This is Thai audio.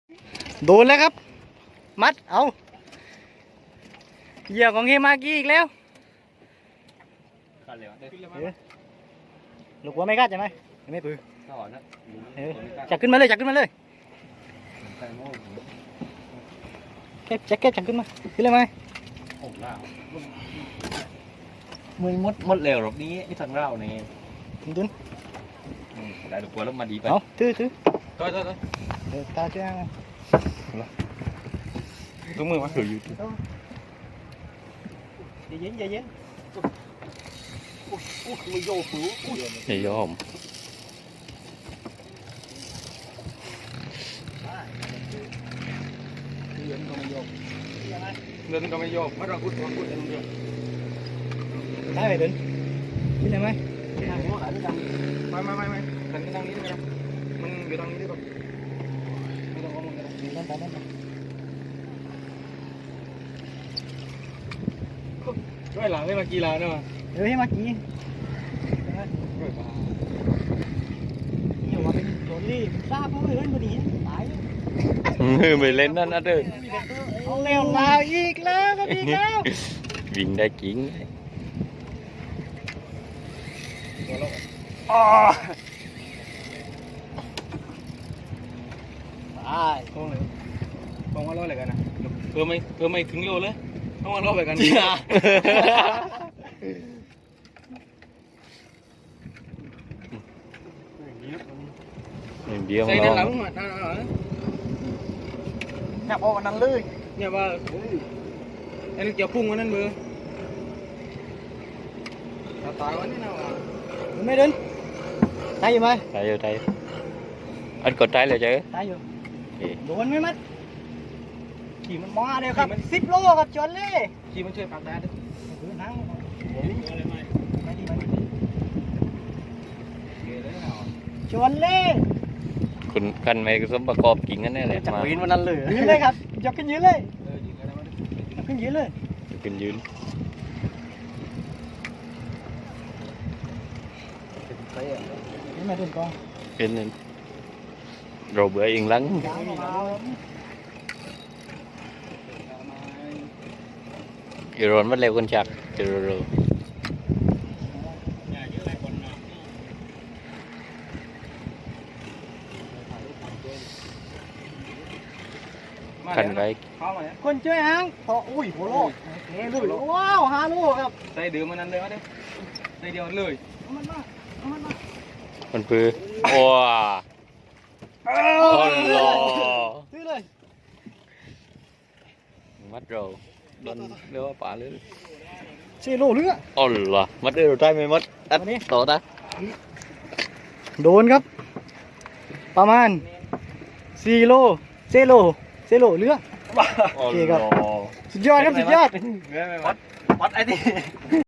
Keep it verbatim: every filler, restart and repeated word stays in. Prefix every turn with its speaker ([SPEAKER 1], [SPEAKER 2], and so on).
[SPEAKER 1] โดนแล้วครับมัดเอาเหยื่อของเฮมากี้อีกแล้วลูกหัวไม่กัดใช่ไหมไม่ปืนจับขึ้นมาเลยจับขึ้นมาเลยเก็บแจ็คเก็ตจับขึ้นมาขึ้นเลยไหม
[SPEAKER 2] มึงมดมดเร็วหรอกนี้นี่ทางเราเนี่ย
[SPEAKER 1] ดุน
[SPEAKER 2] ได้ดอกบัวแล้วมาดีไป
[SPEAKER 1] เอาถือถือ
[SPEAKER 2] ต่อยต่อยต่อย
[SPEAKER 1] เดี๋ยวตาช่วยไง
[SPEAKER 2] ตุ้งมือมาถืออยู่
[SPEAKER 1] ใจเย็นใจเย็น
[SPEAKER 2] อู้ไม่โยกหู
[SPEAKER 3] ไม่ยอม
[SPEAKER 2] เดินก็ไม่โยกไม่ต้องพูดต้องพูดเองเดียว
[SPEAKER 1] ได้ไหมดุนขึ้นได้ไหม
[SPEAKER 2] ไม่ไม่ไม่ไม่ทางนี้ทางนี้ได้ไหมมันอยู่ทางนี้ได้ป่ะไม่ต้องเอามือกัน
[SPEAKER 1] นั่นไปนั่นไป
[SPEAKER 2] ช่วยหลังได้มากี่ลาเนี่ยมา
[SPEAKER 1] เดี๋ยวให้มากี่นี่ว่าเป็นโดนรีบทราบเขาเลยพอดีตาย
[SPEAKER 3] ไม่เล่นนั่นนะเด้อ
[SPEAKER 1] เอาเร็วลาอีกแล้วก็อีกแล้ว
[SPEAKER 3] วิ่งได้จริง
[SPEAKER 1] อ๋อตาย
[SPEAKER 2] คงเลยคงว่าร้อยอะไรกันนะเพิ่มไม่เพิ่มไม่ถึงโลเลยต้องว่าร้อยอะไรกัน
[SPEAKER 3] เดียว
[SPEAKER 2] ใส่ด้านหลังมาด้านหลัง
[SPEAKER 1] จับออกกันนั่นเลย
[SPEAKER 2] เนี่ยว่าอันนี้เกี่ยวพุ่งวันนั้นเบอร์ตายวันนี้นะวะ
[SPEAKER 1] ไม่เดินตายอยู่ไหม
[SPEAKER 3] ตายอยู่ตายอันกดตายเลยเจ๊
[SPEAKER 1] ตายอยู่โดนไหมมัดขี่มันมาเดียวครับสิบโลครับจนเลย
[SPEAKER 2] ขี่มันช่วยปากได้ด้วย
[SPEAKER 1] นั่งจนเลย
[SPEAKER 3] คุณกันไม่สมประกอบกิ่งกันแน่เลย
[SPEAKER 1] จับปีนวันนั้นเลยยืนเลยครับยกขึ้นยืนเลยยกขึ้นยืนเลย
[SPEAKER 3] ขึ้นยืน
[SPEAKER 1] นี่มาถึงกอง
[SPEAKER 3] เป็นเราเบื่อเองลังอีรอนมันเร็วกันจักเจอเร็วกันไว้
[SPEAKER 1] คนช่วยหางพออุ้ยโหโลเฮ้ยเลยว้าวฮาโลครับ
[SPEAKER 2] ใส่เดือมันนั่นเลยมาเด้ใส่เดียวเลย
[SPEAKER 1] มันมามันมา
[SPEAKER 3] มันปื้อว้าอ๋อหล่อ
[SPEAKER 1] ซื้อเลย
[SPEAKER 3] มัดเราโดนเรียกว่าป่าเลย
[SPEAKER 1] เชโลเรือ
[SPEAKER 3] อ๋อหล่อมัดได้เราได้ไหมมัดอัดต่อตา
[SPEAKER 1] โดนครับประมาณสี่โลเซโลเซโลเรือโอเคครับสุดยอดครับสุดยอด
[SPEAKER 2] วัดวัดไอ้นี่